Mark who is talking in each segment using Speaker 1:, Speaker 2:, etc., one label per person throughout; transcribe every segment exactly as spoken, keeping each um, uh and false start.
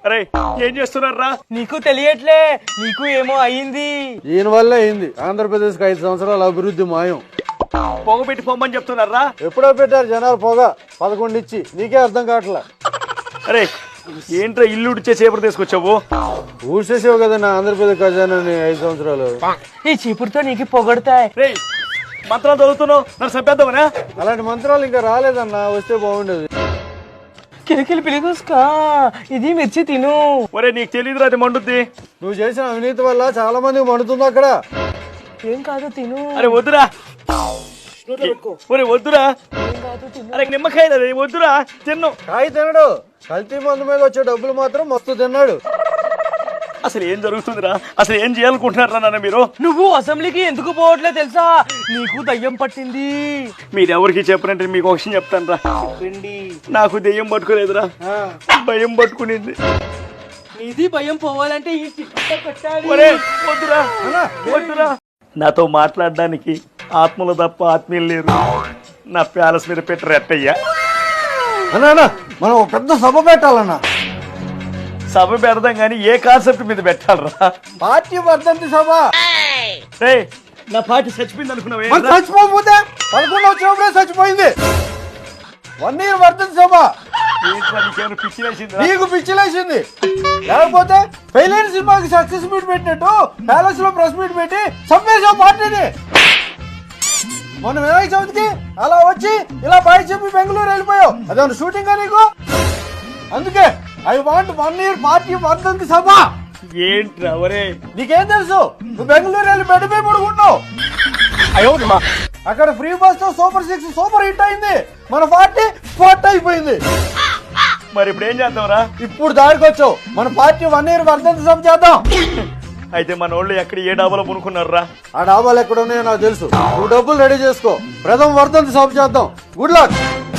Speaker 1: అరే ఏం చేస్తున్నారా?
Speaker 2: నీకు తెలియట్లే, నీకు ఏమో అయింది.
Speaker 3: ఈయన వల్ల అయింది ఆంధ్రప్రదేశ్ కి ఐదు సంవత్సరాల అభివృద్ధి మాయం.
Speaker 1: పొగ పెట్టి పొమ్మని చెప్తున్నారా?
Speaker 3: ఎప్పుడో పెట్టారు జనాలు పొగ పదకొండు ఇచ్చి, నీకే అర్థం కావట్లా.
Speaker 1: అరే ఏంట్రా ఇల్లు ఉడిచే చేపలు తీసుకొచ్చావు?
Speaker 3: ఊసేసావు కదా నా ఆంధ్రప్రదేశ్ ఖజానాని ఐదు సంవత్సరాలు.
Speaker 2: ఈ చీపురుతో నీకు పొగడతాయి.
Speaker 1: రే మంత్రాలు చదువుతున్నావు, నన్ను చంపేద్దామనా?
Speaker 3: అలాంటి మంత్రాలు ఇంకా రాలేదన్నా, వస్తే బాగుండేది.
Speaker 2: కిలికిలి పిలిగుస్కా, ఇది మిర్చి తిను.
Speaker 1: ఒరే నీకు తెలియదురా అది మండుద్ది.
Speaker 3: నువ్వు చేసిన అవినీతి వల్ల చాలా మందికి మండుతుంది అక్కడ.
Speaker 2: ఏం కాదు తిను.
Speaker 1: అరే వద్దురా, ఒరే వద్దురా.
Speaker 2: ఏం కాదు తిను.
Speaker 1: అరే నిమ్మకాయ వద్దురా, తిన్ను.
Speaker 3: కాయ తినడు, కల్తీ మందు మీద వచ్చే డబ్బులు మాత్రం మస్తు తిన్నాడు.
Speaker 1: అసలు ఏం జరుగుతుందిరా? అసలు ఏం చేయాలనుకుంటున్నారా నాన్న మీరు?
Speaker 2: నువ్వు అసెంబ్లీకి ఎందుకు పోవట్లే తెలుసా? నీకు దయ్యం పట్టింది.
Speaker 1: మీరు ఎవరికి చెప్పనంటే మీకు ఒక విషయం చెప్తాను రా. నాకు దెయ్యం పట్టుకోలేదురా, భయం పట్టుకునింది.
Speaker 2: నీది భయం పోవాలంటే ఈ చిట్ట పెట్టాలి.
Speaker 1: ఒరే వద్దురా, వద్దురా. నాతో మాట్లాడడానికి ఆత్మలు తప్ప ఆత్మీయులు లేరు. నా ప్యాలెస్ మీద పెట్టరు ఎట్టయ్యా.
Speaker 3: అన్నా మనం ఒక పెద్ద సభ పెట్టాలన్నా.
Speaker 1: సభ పెడదాం కానీ ఏ కాన్సెప్ట్ మీద పెట్టాలరా?
Speaker 3: పార్టీ వర్ధంతి సభ.
Speaker 1: రే నా పార్టీ చచ్చిపోయింది అనుకున్నావే?
Speaker 3: మరి చచ్చిపోతే పదకొండు వచ్చినప్పుడే చచ్చిపోయింది. వన్ ఇయర్ వర్ధంతి సభ.
Speaker 1: ఏంట్రా నీకేమైనా పిచ్చి వేసిందా?
Speaker 3: నీకు పిచ్చిలేసింది. లేకపోతే ఫెయిలైన సినిమాకి సక్సెస్ మీట్ పెట్టినట్టు ప్యాలెస్ లో ప్రెస్ మీట్ పెట్టి చంపేసావు పార్టీని. మొన్న వినాయక చవితికి అలా వచ్చి ఇలా బయట చెప్పి బెంగళూరు వెళ్ళిపోయావు. అదేమన్నా షూటింగ్ నీకు? అందుకే I want one year party వర్ధంతి సభ.
Speaker 1: ఏంట్రా ఒరే?
Speaker 3: నీకేం తెలుసు? నువ్వు బెంగళూరు వెళ్ళి బెడ్పై పడుకుంటున్నావు. అక్కడ ఫ్రీ బస్ తో సూపర్ సిక్స్ సూపర్ హిట్ అయింది. మన పార్టీ స్పాట్ అయిపోయింది.
Speaker 1: మరి ఇప్పుడు ఏం చేద్దాంరా?
Speaker 3: ఇప్పుడు దారికి వచ్చావు. మన పార్టీ వన్ ఇయర్ వర్ధంతి సభ చేద్దాం.
Speaker 1: అయితే మన వాళ్ళు ఎక్కడ ఏ డాబాలో పునుకున్నారా?
Speaker 3: ఆ డాబాలు ఎక్కడ ఉన్నాయో నాకు తెలుసు. నువ్వు డబ్బులు రెడీ చేసుకో. ప్రథమ వర్ధంతి సభ చేద్దాం. Good luck.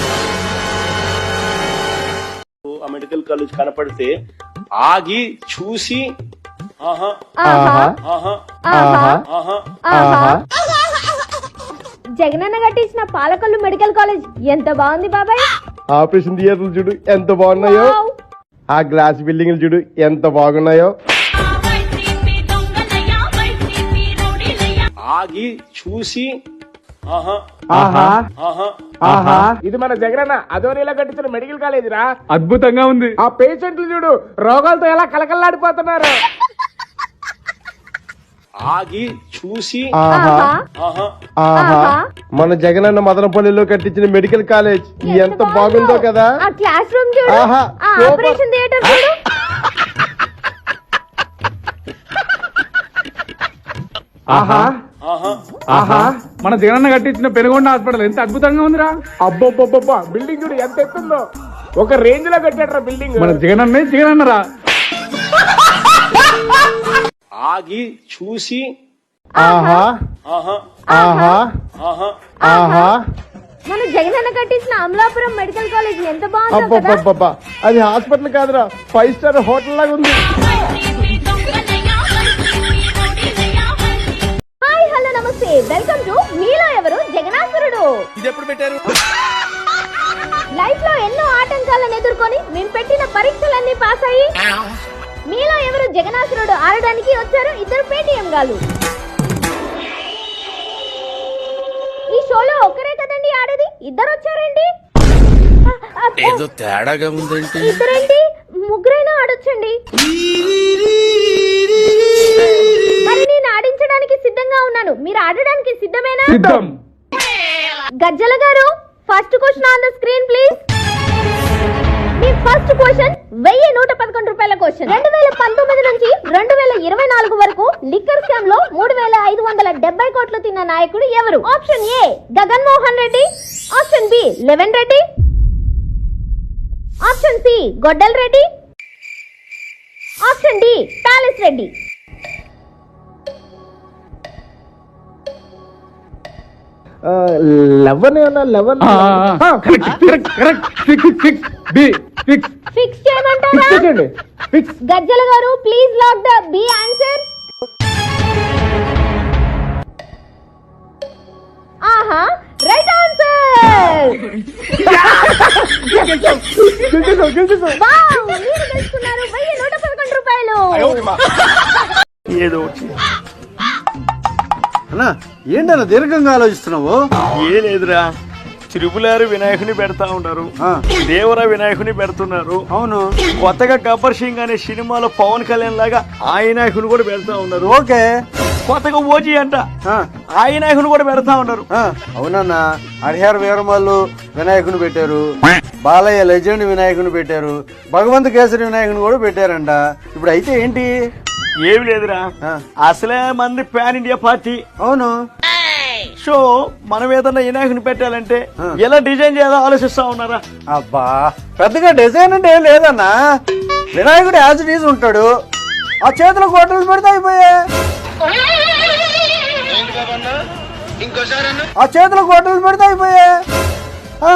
Speaker 4: ఆ మెడికల్ కాలేజ్ కనపడితే ఆగి చూసి ఆహా ఆహా ఆహా
Speaker 5: జగనన్న కట్టించిన పాలకొల్లు మెడికల్ కాలేజ్ ఎంత బాగుంది బాబాయ్.
Speaker 6: ఆపరేషన్ థియేటర్లు చూడు ఎంత బాగున్నాయో. ఆ గ్లాస్ బిల్డింగ్లు చూడు ఎంత బాగున్నాయో.
Speaker 4: ఆగి చూసి ఆహా
Speaker 6: ఆహా
Speaker 4: ఆహా
Speaker 6: ఆహా ఇది మన జగనన్న అదోనిలా కట్టించిన మెడికల్ కాలేజ్ రా. అద్భుతంగా ఉంది. ఆ పేషెంట్లు చూడు రోగాలతో ఎలా కలకల్లాడిపోతున్నారు.
Speaker 4: ఆగి చూసి
Speaker 6: ఆహా
Speaker 4: ఆహా
Speaker 6: ఆహా మన జగనన్న మదనపల్లిలో కట్టించిన మెడికల్ కాలేజ్ ఎంత బాగుందో కదా.
Speaker 5: ఆ క్లాస్ రూమ్ చూడు,
Speaker 6: ఆహా,
Speaker 5: ఆ ఆపరేషన్ థియేటర్ చూడు.
Speaker 6: ఆహా
Speaker 4: ఆహా
Speaker 6: ఆహా మన జగనన్న కట్టించిన పెనుగొండ హాస్పిటల్ ఎంత అద్భుతంగా ఉందిరా. అబ్బబ్బబ్బబ్బా బిల్డింగ్ చూడు ఎంత ఎత్తుందో. ఒక రేంజ్ లో కట్టాడ్రా బిల్డింగ్. మన జగనన్నే జగనన్నరా.
Speaker 4: ఆగి చూసి
Speaker 6: ఆహా
Speaker 4: ఆహా
Speaker 6: ఆహా
Speaker 4: ఆహా
Speaker 6: ఆహా
Speaker 5: మన జగనన్న కట్టించిన అమలాపురం మెడికల్ కాలేజ్ ఎంత బాగుందో కదా.
Speaker 6: అబ్బబ్బబ్బబ్బా అది హాస్పిటల్ కాదురా, ఫైవ్ స్టార్ హోటల్ లాగా ఉంది.
Speaker 5: హాయ్ హలో నమస్తే, వెల్కమ్ టు మీలో ఎవరు జగనాసురుడు.
Speaker 1: ఇది ఎప్పుడు పెట్టారు?
Speaker 5: లైఫ్ లో ఎన్నో ఆటంకాలను ఎదుర్కొని మేము పెట్టిన పరీక్షలన్నీ పాస్ అయ్యి మీలో ఎవరు జగనాసురుడు ఆడడానికి వచ్చారు ఇద్దరు పేటీఎం గాలు. ఈ షోలో ఒక్కరే కదండి ఆడేది, ఇద్దరు వచ్చారండి.
Speaker 7: ఏదో తేడాగా ఉందేంటి?
Speaker 5: ఇద్దరేంటి, ముగ్గురైనా ఆడొచ్చండి. మరి నేను ఆడించడానికి సిద్ధంగా ఉన్నాను, మీరు ఆడడానికి సిద్ధమేనా? గజ్జల గారు first question on the screen please. మీ ఫస్ట్ క్వశ్చన్ వెయ్యి నూట పదకొండు రూపాయల క్వశ్చన్. రెండు వేల పంతొమ్మిది నుంచి రెండు వేల ఇరవై నాలుగు వరకు లిక్కర్ స్కామ్ లో మూడు వేల ఐదు వందల డెబ్బై కోట్లు తిన్న నాయకుడు ఎవరు? Option A Jagan Mohan Reddy, option B eleven Reddy, option C గొడ్డల్ Reddy, option D palace Reddy.
Speaker 6: Eleven ఏమన్నా లెవెన్
Speaker 5: ఫిక్స్ చేయమంటారా? గజ్జల గారు please lock the B answer. ఆహా రైట్ ఆన్సర్. వావ్, మీరు తెలుసుకున్నారు వెయ్యి
Speaker 1: ఏదో ఒకటి.
Speaker 3: అన్నా ఏంటన్నా దీర్ఘంగా ఆలోచిస్తున్నావు?
Speaker 1: ఏ లేదురా, త్రిపులారు వినాయకుని పెడతా ఉన్నారు,
Speaker 3: ఆ.
Speaker 1: దేవర వినాయకుని పెడుతున్నారు.
Speaker 3: అవును.
Speaker 1: కొత్తగా గబ్బర్ సింగ్ అనే సినిమాలో పవన్ కళ్యాణ్ లాగా ఆ వినాయకుని కూడా పెడతా ఉన్నారు.
Speaker 3: ఓకే.
Speaker 1: కొత్తగా ఓజీ అంట
Speaker 3: ఆ,
Speaker 1: ఆ వినాయకుని కూడా పెడతా ఉన్నారు.
Speaker 3: ఆ, అవునన్నా. హరిహర వీరమల్లు వినాయకుని పెట్టారు, బాలయ్య లెజెండ్ వినాయకుని పెట్టారు, భగవంత్ కేసరి వినాయకుని కూడా పెట్టారంట. ఇప్పుడు అయితే ఏంటి?
Speaker 1: ఏమి లేదురా,
Speaker 3: ఆ.
Speaker 1: అసలే మంది పాన్ ఇండియా పార్టీ.
Speaker 3: అవును.
Speaker 1: సో మనం ఏదన్నా వినాయకుని పెట్టాలంటే
Speaker 3: ఆ.
Speaker 1: ఎలా డిజైన్ చేయాలో ఆలోచిస్తా ఉన్నారా?
Speaker 3: అబ్బా పెద్దగా డిజైన్ అంటే ఏం లేదన్నా. వినాయకుడు యాజ్ ఇట్ ఈజ్ ఉంటాడు, ఆ చేతిలో గొడ్డలు పెడితే అయిపోయా. ఆ చేతిలో గొడ్డలు పెడితే అయిపోయా. ఆ.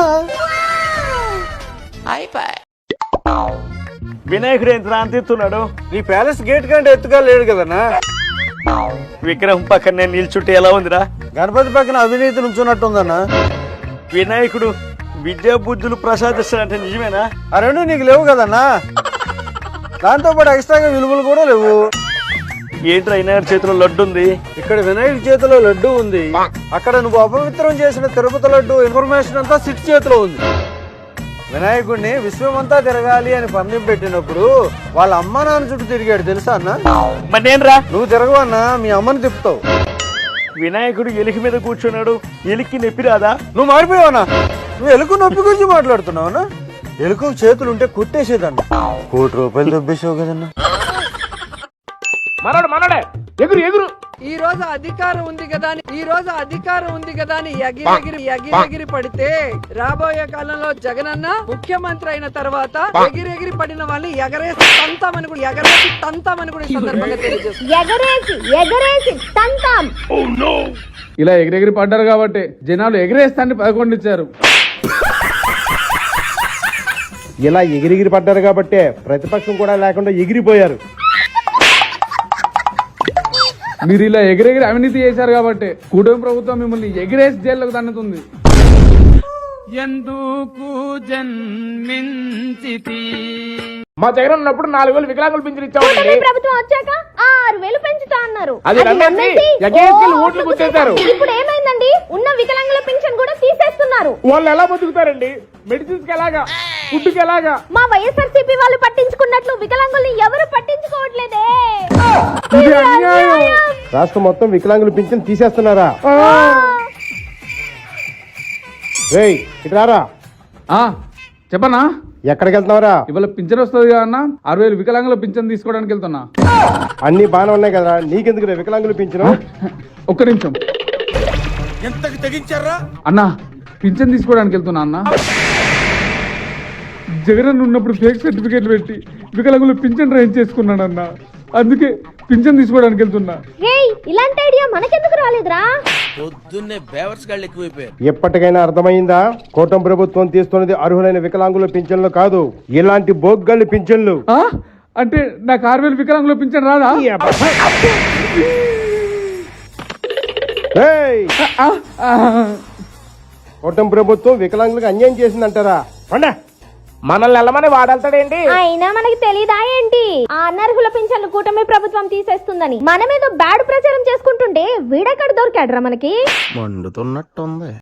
Speaker 1: వినాయకుడు ఎంత అంతిస్తున్నాడు?
Speaker 3: నీ ప్యాలెస్ గేట్ కంటే ఎత్తుగా లేడు కదన్నా.
Speaker 1: విగ్రహం పక్కన నేను నిల్చుంటే ఎలా ఉందిరా?
Speaker 3: గణపతి పక్కన అవినీతి నుంచున్నట్టుందన్నా.
Speaker 1: వినాయకుడు విద్యా బుద్ధులు ప్రసాదిస్తాడంటే నిజమేనా?
Speaker 3: ఆ రెండు నీకు లేవు కదన్నా. దాంతో పాటు ఎక్స్ట్రాగా విలువలు కూడా లేవు.
Speaker 1: ఏంట్రా వినాయకుడి చేతిలో లడ్డు ఉంది?
Speaker 3: ఇక్కడ వినాయకుడి చేతిలో లడ్డు ఉంది, అక్కడ నువ్వు అపవిత్రం చేసిన తిరుపతి లడ్డు ఇన్ఫర్మేషన్ అంతా సిట్ చేతిలో ఉంది. వినాయకుడిని విశ్వమంతా తిరగాలి అని పందెం పెట్టినప్పుడు వాళ్ళ అమ్మ నాన్న చుట్టూ తిరిగాడు తెలుసా అన్న?
Speaker 1: మరి నేనురా,
Speaker 3: నువ్వు తిరగవన్నా, మీ అమ్మని తిప్పుతావు.
Speaker 1: వినాయకుడు ఎలికి మీద కూర్చున్నాడు, ఎలికి నొప్పి రాదా?
Speaker 3: నువ్వు మారిపోయావనా? నువ్వు ఎలుక నొప్పి గురించి మాట్లాడుతున్నావన్నా? ఎలుక చేతులు ఉంటే కుట్టేసేదన్న. కోటి రూపాయలు దొబ్బేసావు కదన్నా.
Speaker 6: మనోడు మనోడే ఎగురు ఎగురు.
Speaker 2: ఈ రోజు అధికారం ఉంది కదా అని ఈ రోజు అధికారం ఉంది కదా అని ఎగిరి ఎగిరి ఎగిరి ఎగిరి పడితే రాబోయే కాలంలో జగనన్న ముఖ్యమంత్రి అయిన తర్వాత ఎగిరి ఎగిరి పడిన వాళ్ళని ఎగరేసి తంతామని కూడా ఎగరేసి తంతామని కూడా ఈ సందర్భంగా తెలియజేస్తుంది.
Speaker 5: ఎగరేసి ఎగరేసి తంతాం.
Speaker 6: ఇలా ఎగిరెగిరి పడ్డారు కాబట్టి జనాలు ఎగిరేస్తాన్ని పదకొండు ఇచ్చారు.
Speaker 8: ఇలా ఎగిరిగిరి పడ్డారు కాబట్టే ప్రతిపక్షం కూడా లేకుండా ఎగిరిపోయారు.
Speaker 6: మీరు ఇలా ఎగిరెగిరి అవినీతి చేశారు కాబట్టి కూటమి ప్రభుత్వం మిమ్మల్ని ఎగిరేసి జైల్లోకి తన్నుతుంది. ఎందుకు జన్మించితి? మా జగన్ ఉన్నప్పుడు నాలుగు వేలు వికలాంగులు పింఛన్ ఇచ్చామండి.
Speaker 5: కూటమి ప్రభుత్వం వచ్చాక ఆరు వేలు పెంచుతా అన్నారు.
Speaker 6: అది
Speaker 5: అది
Speaker 6: నమ్మేసి
Speaker 5: నమ్మేసి
Speaker 6: ఎగేసుకెళ్ళి
Speaker 5: ఓ
Speaker 6: ఓట్లు గుచ్చేశారు.
Speaker 5: ఇప్పుడు ఏమైందండి? ఉన్న వికలాంగుల పెన్షన్ కూడా తీసేస్తున్నారు.
Speaker 6: వాళ్ళు ఎలా బతుకుతారండి? మెడిసిన్స్ కి ఎలాగా, ఫుడ్ కి ఎలాగా?
Speaker 5: మా వైఎస్ఆర్సీపీ వాళ్ళు పట్టించుకున్నట్లు వికలాంగుల్ని ఎవరు పట్టించుకోవట్లేదే.
Speaker 6: ఇది అన్యాయం.
Speaker 8: రాష్ట్రం మొత్తం వికలాంగులు పింఛన్ తీసేస్తున్నారా? రేయ్ ఇటు రారా.
Speaker 6: ఆ, చెప్పనా?
Speaker 8: ఎక్కడికి వెళ్తున్నావురా?
Speaker 6: ఇవాళ పింఛన్ వస్తుంది కదా అన్న, అరవై వేలు వికలాంగుల పింఛన్ తీసుకోవడానికి వెళ్తున్నా.
Speaker 8: అన్ని బాగానే ఉన్నాయి కదా, నీకెందుకు వికలాంగులు పింఛను?
Speaker 6: ఒక్క నిమిషం అన్నా, పింఛన్ తీసుకోవడానికి వెళ్తున్నా అన్న. జగన్ ఉన్నప్పుడు ఫేక్ సర్టిఫికేట్లు పెట్టి వికలాంగులు పింఛన్ రైజ్ చేసుకున్నాడు అన్న, అందుకే పింఛన్ తీసుకోవడానికి వెళ్తున్నా.
Speaker 5: రేయ్ ఇలాంటి ఐడియా మనకెందుకు రాలేదురా?
Speaker 7: పొద్దున్నే బేవర్స్ గాళ్ళు ఎక్కువైపోయారు.
Speaker 8: ఎప్పటికైనా అర్థమైందా? కూటమి ప్రభుత్వం తీస్తున్నది అర్హులైన వికలాంగుల పింఛన్లు కాదు, ఇలాంటి బోగ్గళ్ళు పింఛన్లు.
Speaker 6: ఆ? అంటే నాకు ఆరు వేలు వికలాంగుల పింఛన్ రాదా?
Speaker 8: రేయ్,
Speaker 6: ఆ, ఆ.
Speaker 8: కూటమి ప్రభుత్వం వికలాంగులకు అన్యాయం చేసిందంటారా? పండా మనల్ని వెళ్ళమని వాడెళ్తాడేంటి?
Speaker 5: అయినా మనకి తెలీదా ఏంటి ఆ అనర్హుల పింఛన్లు కూటమి ప్రభుత్వం తీసేస్తుందని? మనమేదో బ్యాడ్ ప్రచారం చేసుకుంటుంటే వీడెక్కడ దొరికాడురా మనకి?
Speaker 7: మండుతున్నట్టుంది.